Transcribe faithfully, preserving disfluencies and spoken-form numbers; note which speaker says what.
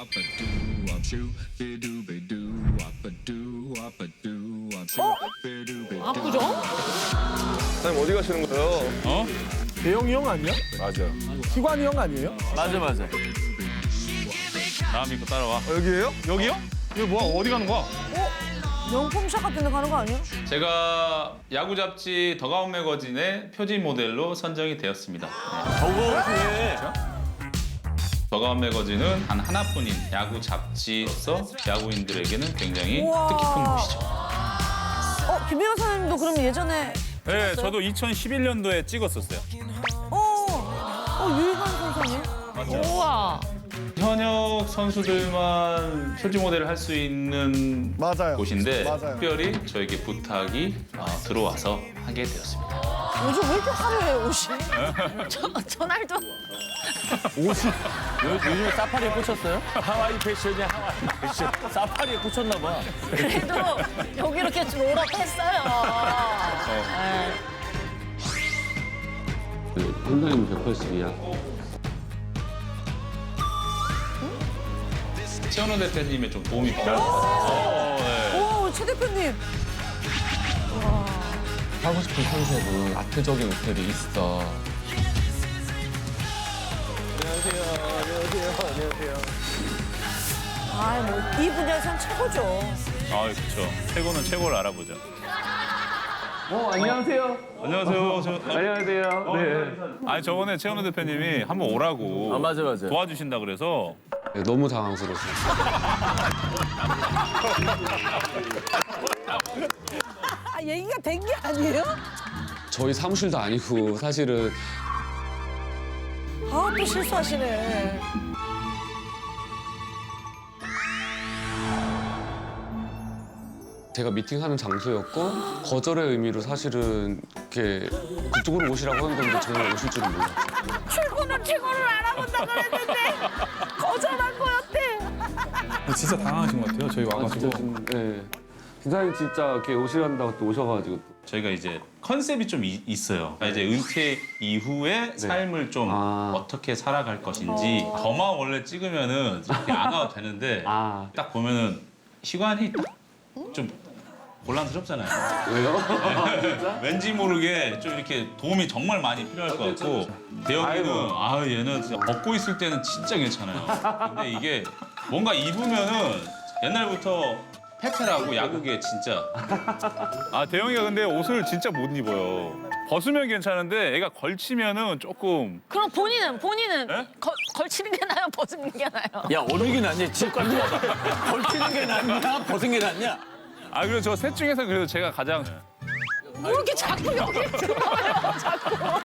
Speaker 1: 압구정?
Speaker 2: 사장님 어디 가시는 거예요?
Speaker 3: 어?
Speaker 4: 대영이 형 아니야?
Speaker 2: 맞아.
Speaker 4: 희관이 형 아니에요?
Speaker 3: 맞아 맞아.
Speaker 5: 나 믿고 따라와.
Speaker 2: 어, 여기에요?
Speaker 5: 여기요? 이거 뭐야? 어디 가는 거야?
Speaker 1: 명품샵 같은 데 가는 거 아니야?
Speaker 5: 제가 야구 잡지 더가운 매거진의 표지 모델로 선정이 되었습니다. 네.
Speaker 3: 저거 그래.
Speaker 5: 더가운 매거진은 단 하나뿐인 야구 잡지로서 야구인들에게는 굉장히
Speaker 1: 우와.
Speaker 5: 뜻깊은 곳이죠.
Speaker 1: 어, 김민호 선생님도 그럼 예전에
Speaker 5: 네, 저도 이천십일 년도에 찍었었어요.
Speaker 1: 어, 어 유희관 선생님? 우와.
Speaker 5: 현역 선수들만 표지 모델을 할 수 있는
Speaker 4: 맞아요.
Speaker 5: 곳인데
Speaker 4: 맞아요.
Speaker 5: 특별히 저에게 부탁이 어, 들어와서 하게 되었습니다.
Speaker 1: 요즘 왜 이렇게 화려해 옷이? 저, 저날도
Speaker 3: 요, 요즘에 사파리에 꽂혔어요? 하와이 패션이야 하와이 패션. 사파리에 꽂혔나 봐.
Speaker 1: 그래도 여기 이렇게 롤업했어요. 네.
Speaker 6: 한달이면 백팔십이야.
Speaker 5: 최원호 대표님의 좀 도움이 필요합니다.
Speaker 1: 오, 최 대표님.
Speaker 6: 하고 싶은 컨셉은 아트적인 옷들이 있어.
Speaker 1: 아, 뭐 이 분야에선 최고죠.
Speaker 5: 아, 그렇죠. 최고는 최고를 알아보죠.
Speaker 6: 어, 안녕하세요.
Speaker 5: 안녕하세요. 저,
Speaker 6: 안녕하세요. 네.
Speaker 5: 아니 저번에 최원호 대표님이 한번 오라고
Speaker 3: 아 맞아 맞아.
Speaker 5: 도와주신다 그래서
Speaker 6: 네, 너무 당황스러웠어요.
Speaker 1: 아, 얘기가 된 게 아니에요?
Speaker 6: 저희 사무실도 아니고 사실은
Speaker 1: 아, 또 실수하시네.
Speaker 6: 제가 미팅하는 장소였고 거절의 의미로 사실은 이렇게 그쪽으로 오시라고 한 건데 정말 오실 줄은 몰랐어요.
Speaker 1: 출근은 최고를 알아본다 그랬는데 거절한 거였대.
Speaker 4: 진짜 당황하신 것 같아요. 저희
Speaker 6: 아,
Speaker 4: 와가지고.
Speaker 6: 진짜 좀, 네. 기사님 진짜 이렇게 오시란다고 또 오셔가지고 또.
Speaker 5: 저희가 이제 컨셉이 좀 이- 있어요. 그러니까 이제 은퇴 이후의 삶을 좀
Speaker 6: 아.
Speaker 5: 어떻게 살아갈 것인지 더마 원래 찍으면은 이렇게 안 와도 되는데
Speaker 6: 아.
Speaker 5: 딱 보면은 시간이 딱 좀 곤란스럽잖아요.
Speaker 6: 왜요?
Speaker 5: 왠지 모르게 좀 이렇게 도움이 정말 많이 필요할 것 같고 대영이는 아 얘는 진짜 벗고 있을 때는 진짜 괜찮아요. 근데 이게 뭔가 입으면은 옛날부터 페페라고 야구계 진짜. 아 대영이가 근데 옷을 진짜 못 입어요. 벗으면 괜찮은데 애가 걸치면은 조금.
Speaker 1: 그럼 본인은 본인은
Speaker 5: 에?
Speaker 1: 거, 걸치는 게 나아요, 벗는 게 나아요?
Speaker 3: 야 어느 게 낫냐? 지금까지 걸치는 게 낫냐? 벗은 게 낫냐?
Speaker 5: 아 그리고 저 셋 중에서 그래도 제가 가장.
Speaker 1: 뭐 이렇게 자꾸 여기 들어와요, 자꾸.